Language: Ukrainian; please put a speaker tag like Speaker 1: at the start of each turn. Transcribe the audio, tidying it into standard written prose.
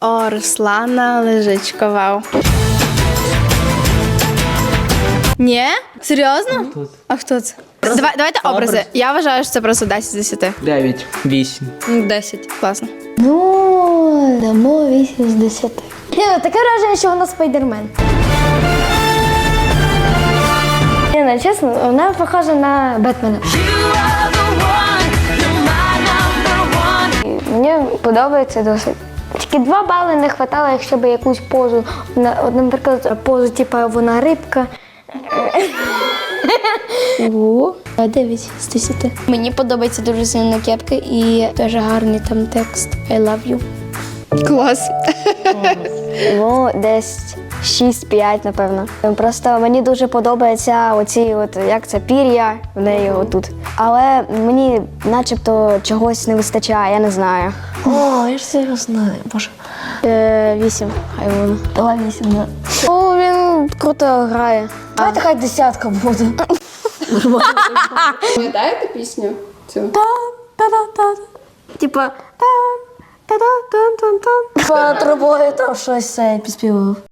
Speaker 1: О, Руслана Лежичко, вау. Ні? Серйозно?
Speaker 2: Тут.
Speaker 1: А хто це? Давайте образи. Я вважаю, що це просто 10 з 10.
Speaker 2: 9, 8.
Speaker 1: 10. Класно.
Speaker 3: Ну, дамо 8 з 10. Таке враження, що вона спайдермен. Не, чесно, вона похожа на Бетмена. Мені подобається досить. Тільки 2 бали не вистачало, якщо б якусь позу, наприклад, позу, типу, вона рибка. 9 з 10. Мені подобається дуже сильно кепка і дуже гарний там текст I love you.
Speaker 1: Клас.
Speaker 3: Ну, десь 6-5, напевно. Просто мені дуже подобається оці, як це, пір'я в неї отут. Але мені начебто чогось не вистачає, я не знаю.
Speaker 4: О, я ж це його знаю, боже.
Speaker 3: 8, хай воно.
Speaker 4: Давай 8, да.
Speaker 3: О, він круто грає.
Speaker 4: Давайте хай 10 буде.
Speaker 1: Пам'ятаєте пісню цю?
Speaker 3: Типа,
Speaker 4: По трубою там щось підспівав.